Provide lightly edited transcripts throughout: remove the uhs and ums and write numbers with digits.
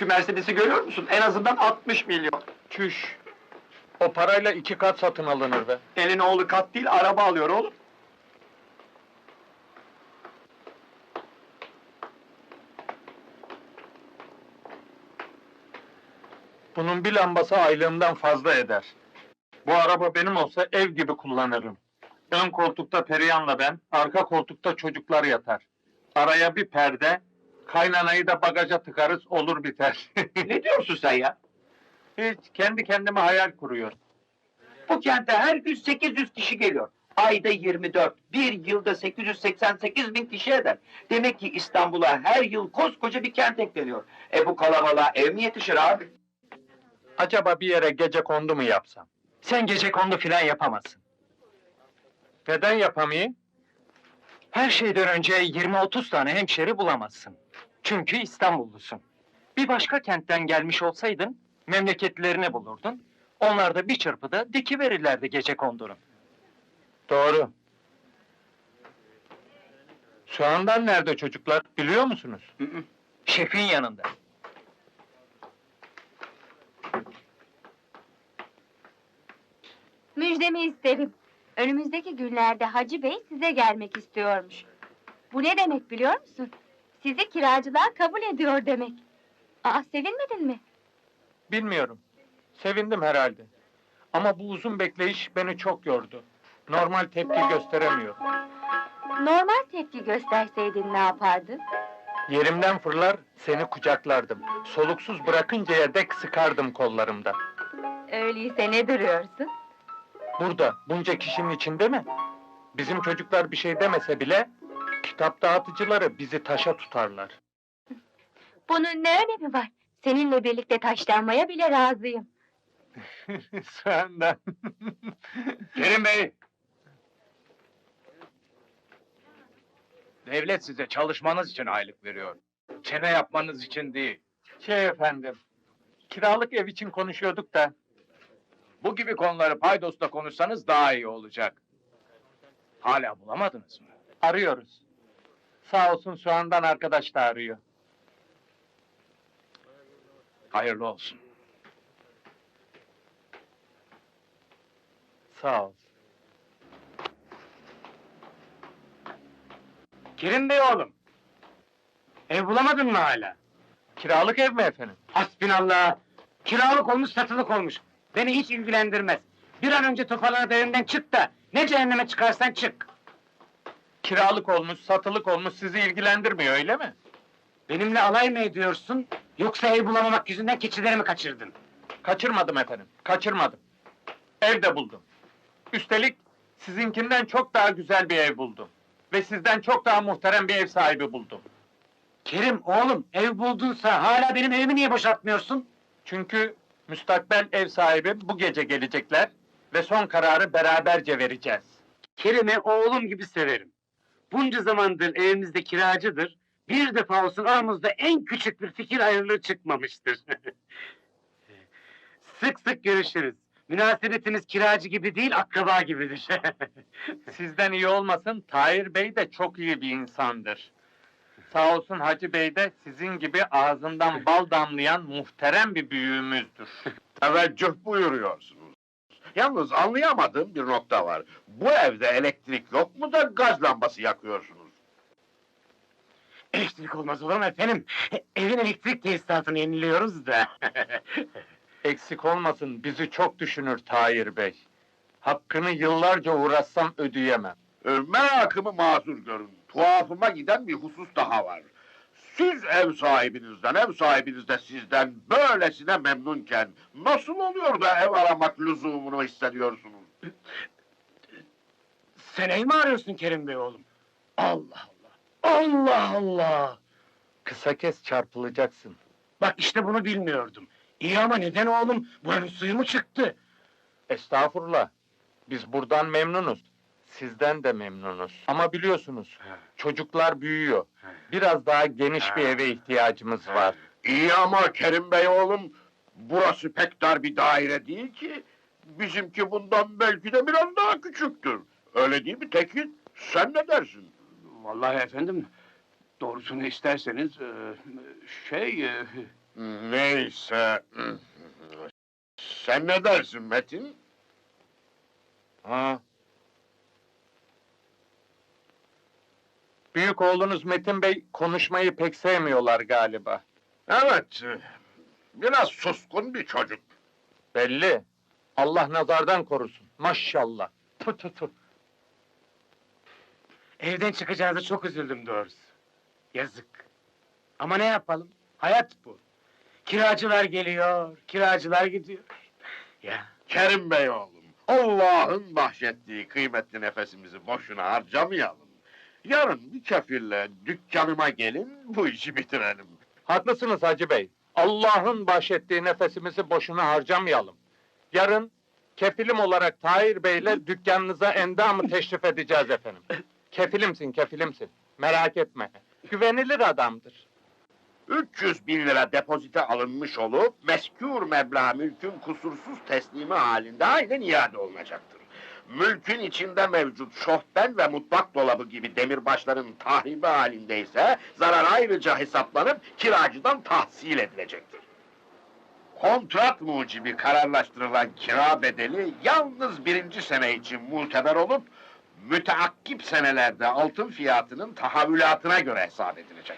Şu Mercedes'i görüyor musun? En azından 60 milyon. Çüş! O parayla 2 kat satın alınır be. Elin oğlu kat değil, araba alıyor oğlum. Bunun bir lambası aylığımdan fazla eder. Bu araba benim olsa ev gibi kullanırım. Ön koltukta Perihan'la ben, arka koltukta çocuklar yatar. Araya bir perde, kaynanayı da bagaja tıkarız, olur biter. Ne diyorsun sen ya? Hiç, kendi kendime hayal kuruyor. Bu kente her gün 800 kişi geliyor. Ayda 24, bir yılda 888 bin kişi eder. Demek ki İstanbul'a her yıl koskoca bir kent ekleniyor. Bu kalabalığa ev mi yetişir abi? Acaba bir yere gecekondu mu yapsam? Sen gecekondu filan yapamazsın. Neden yapamayayım? Her şeyden önce 20-30 tane hemşeri bulamazsın. Çünkü İstanbullusun. Bir başka kentten gelmiş olsaydın, memleketlerini bulurdun. Onlar da bir çırpıda dikiverirlerdi gecekondunu. Doğru. Şu anda nerede çocuklar, biliyor musunuz? Şefin yanında. Müjdemi isterim. Önümüzdeki günlerde Hacı Bey size gelmek istiyormuş. Bu ne demek biliyor musun? Sizi kiracılığa kabul ediyor demek. Aa, sevinmedin mi? Bilmiyorum. Sevindim herhalde. Ama bu uzun bekleyiş beni çok yordu. Normal tepki gösteremiyor. Normal tepki gösterseydin ne yapardın? Yerimden fırlar, seni kucaklardım. Soluksuz bırakıncaya dek sıkardım kollarımda. Öyleyse ne duruyorsun? Burada, bunca kişinin içinde mi? Bizim çocuklar bir şey demese bile, kitap dağıtıcıları bizi taşa tutarlar. Bunun ne önemi var? Seninle birlikte taşlanmaya bile razıyım. Senden. Kerim Bey! Devlet size çalışmanız için aylık veriyor. Çene yapmanız için değil. Efendim, kiralık ev için konuşuyorduk da, Bu gibi konuları paydosla konuşsanız daha iyi olacak. Hala bulamadınız mı? arıyoruz. Sağ olsun Soğan'dan arkadaş da arıyor. Hayırlı olsun. Sağ ol. Kerim Bey oğlum. Ev bulamadın mı hala? Kiralık ev mi efendim? Hasbinallah. Kiralık olmuş, satılık olmuş. Beni hiç ilgilendirmez. Bir an önce toparlanıp evimden çık da ne cehenneme çıkarsan çık. Kiralık olmuş, satılık olmuş sizi ilgilendirmiyor öyle mi? Benimle alay mı ediyorsun? Yoksa ev bulamamak yüzünden keçilerimi kaçırdın? Kaçırmadım efendim, kaçırmadım. Ev de buldum. Üstelik sizinkinden çok daha güzel bir ev buldum. Ve sizden çok daha muhterem bir ev sahibi buldum. Kerim oğlum, ev buldunsa hala benim evimi niye boşaltmıyorsun? Çünkü müstakbel ev sahibi bu gece gelecekler ve son kararı beraberce vereceğiz. Kerim'i oğlum gibi severim. Bunca zamandır evimizde kiracıdır. Bir defa olsun aramızda en küçük bir fikir ayrılığı çıkmamıştır. Sık sık görüşürüz. Münasebetimiz kiracı gibi değil, akraba gibidir. Sizden iyi olmasın, Tahir Bey de çok iyi bir insandır. Sağ olsun Hacı Bey de sizin gibi ağzından bal damlayan muhterem bir büyüğümüzdür. Teveccüh buyuruyorsunuz. Yalnız anlayamadığım bir nokta var. Bu evde elektrik yok mu da gaz lambası yakıyorsunuz? Elektrik olmaz olur mu efendim? Evin elektrik tesisatını yeniliyoruz da. Eksik olmasın, bizi çok düşünür Tahir Bey. Hakkını yıllarca uğraşsam ödeyemem. Merakımı mazur görün. Tuhafıma giden bir husus daha var. Siz ev sahibinizden, ev sahibiniz de sizden böylesine memnunken nasıl oluyor da ev aramak lüzumunu hissediyorsunuz? Sen ev mi arıyorsun Kerim Bey oğlum? Allah Allah! Allah Allah! Kısa kes çarpılacaksın. Bak işte bunu bilmiyordum. İyi ama neden oğlum? Buranın suyu mu çıktı? Estağfurullah. Biz buradan memnunuz. Sizden de memnunuz. Ama biliyorsunuz, çocuklar büyüyor. Biraz daha geniş bir eve ihtiyacımız var. İyi ama Kerim Bey oğlum, burası pek dar bir daire değil ki. Bizimki bundan belki de biraz daha küçüktür. Öyle değil mi Tekin? Sen ne dersin? Vallahi efendim, doğrusunu isterseniz, Neyse. Sen ne dersin Metin? Ha. Büyük oğlunuz Metin Bey konuşmayı pek sevmiyorlar galiba. Evet, biraz suskun bir çocuk. Belli. Allah nazardan korusun. Maşallah. Tu tu tu. Evden çıkacağınıza çok üzüldüm doğrusu. Yazık. Ama ne yapalım? Hayat bu. Kiracılar geliyor, kiracılar gidiyor. Ya, Kerim Bey oğlum, Allah'ın bahşettiği kıymetli nefesimizi boşuna harcamayalım. Yarın bir kefille dükkanıma gelin, bu işi bitirelim. Haklısınız Hacı Bey. Allah'ın bahşettiği nefesimizi boşuna harcamayalım. Yarın kefilim olarak Tahir Bey'le dükkanınıza endamı teşrif edeceğiz efendim. Kefilimsin, kefilimsin. Merak etme. Güvenilir adamdır. 300 bin lira depozite alınmış olup, meskûr meblağ mülkün kusursuz teslimi halinde aynen iade olunacaktır. Mülkün içinde mevcut şofben ve mutfak dolabı gibi demirbaşların tahribi halindeyse, zarar ayrıca hesaplanıp kiracıdan tahsil edilecektir. Kontrat mucibi kararlaştırılan kira bedeli yalnız birinci sene için muteber olup, müteakkip senelerde altın fiyatının tahavülatına göre hesap edilecek.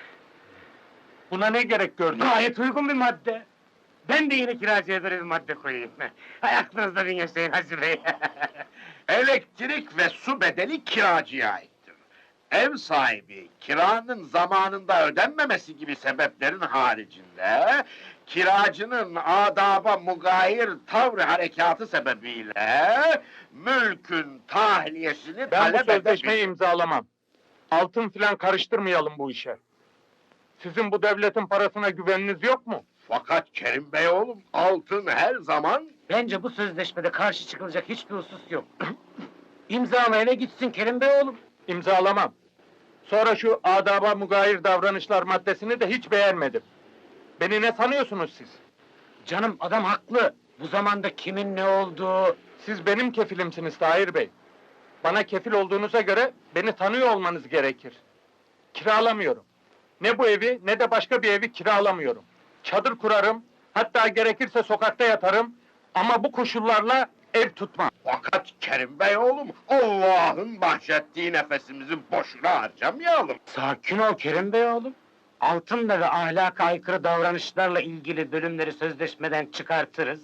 Buna ne gerek gördün? gayet uygun bir madde. Ben de yine kiracıya böyle bir madde koyayım. Hay aklınızda bin yaşayın Hacı Bey. Elektrik ve su bedeli kiracıya aittir. Ev sahibi kiranın zamanında ödenmemesi gibi sebeplerin haricinde, kiracının adaba mugayir tavrı harekatı sebebiyle mülkün tahliyesini Ben bu talep sözleşmeyi edebilir. imzalamam. Altın filan karıştırmayalım bu işe. Sizin bu devletin parasına güveniniz yok mu? Fakat Kerim Bey oğlum, altın her zaman Bence bu sözleşmede karşı çıkılacak hiçbir husus yok. İmzalayana gitsin Kerim Bey oğlum. İmzalamam. Sonra şu adaba mugayir davranışlar maddesini de hiç beğenmedim. Beni ne sanıyorsunuz siz? Canım adam haklı. Bu zamanda kimin ne olduğu... Siz benim kefilimsiniz Tahir Bey. Bana kefil olduğunuza göre beni tanıyor olmanız gerekir. Kiralamıyorum. Ne bu evi ne de başka bir evi kiralamıyorum. Çadır kurarım, hatta gerekirse sokakta yatarım ama bu koşullarla ev tutmam. Fakat Kerim Bey oğlum, Allah'ın bahşettiği nefesimizi boşuna harcamayalım. Sakin ol Kerim Bey oğlum. Altınla ve ahlaka aykırı davranışlarla ilgili bölümleri sözleşmeden çıkartırız.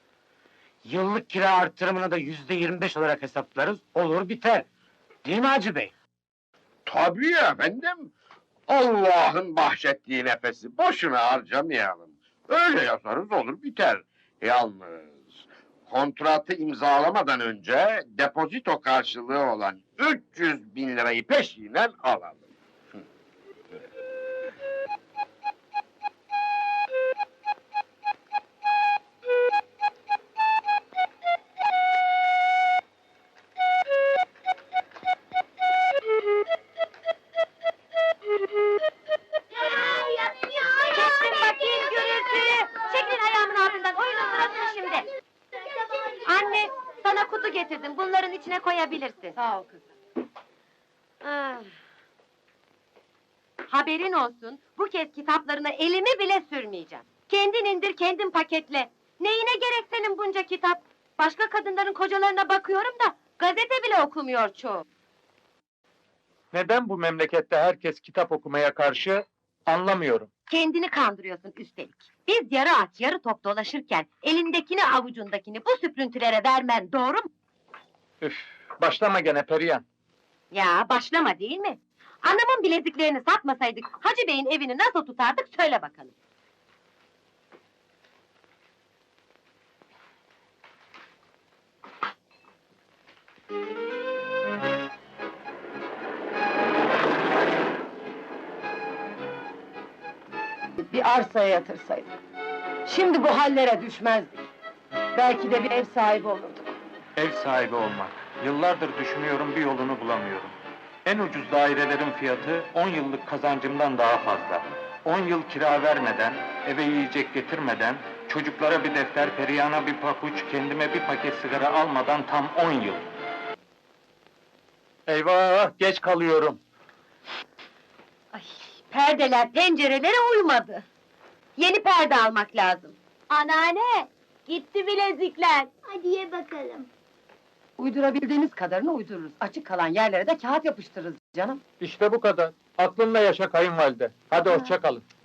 Yıllık kira artırımını da %25 olarak hesaplarız. Olur biter. Değil mi Hacı Bey? Tabii efendim. Allah'ın bahşettiği nefesi boşuna harcamayalım. Öyle yazarız olur biter. Yalnız kontratı imzalamadan önce depozito karşılığı olan 300 bin lirayı peşinen alalım. Çektim bakayım gürültüyü. Çekilin ayağımın altından. Oyunun sırası şimdi. Anne, sana kutu getirdim. Bunların içine koyabilirsin. Sağ ol kızım. Haberin olsun, bu kez kitaplarına elimi bile sürmeyeceğim. Kendin indir, kendin paketle. Neyine gerek senin bunca kitap? Başka kadınların kocalarına bakıyorum da, gazete bile okumuyor çoğu. Neden bu memlekette herkes kitap okumaya karşı anlamıyorum. Kendini kandırıyorsun üstelik. Biz yarı aç, yarı top dolaşırken, elindekini avucundakini bu süprüntülere vermen doğru mu? Üf, başlama gene Perihan. Ya başlama değil mi? Anamın bileziklerini satmasaydık, Hacı Bey'in evini nasıl tutardık söyle bakalım. Bir arsaya yatırsaydık. Şimdi bu hallere düşmezdik. Belki de bir ev sahibi olurduk. Ev sahibi olmak. Yıllardır düşünüyorum, bir yolunu bulamıyorum. En ucuz dairelerin fiyatı 10 yıllık kazancımdan daha fazla. 10 yıl kira vermeden, eve yiyecek getirmeden, çocuklara bir defter, Perihan'a bir papuç, kendime bir paket sigara almadan tam 10 yıl. Eyvah, geç kalıyorum. Ay, perdeler pencerelere uymadı. Yeni perde almak lazım. Anneanne, gitti bilezikler. Hadi ye bakalım. Uydurabildiğimiz kadarını uydururuz. Açık kalan yerlere de kağıt yapıştırırız canım. İşte bu kadar. Aklınla yaşa kayınvalide. Hadi hoşça kalın.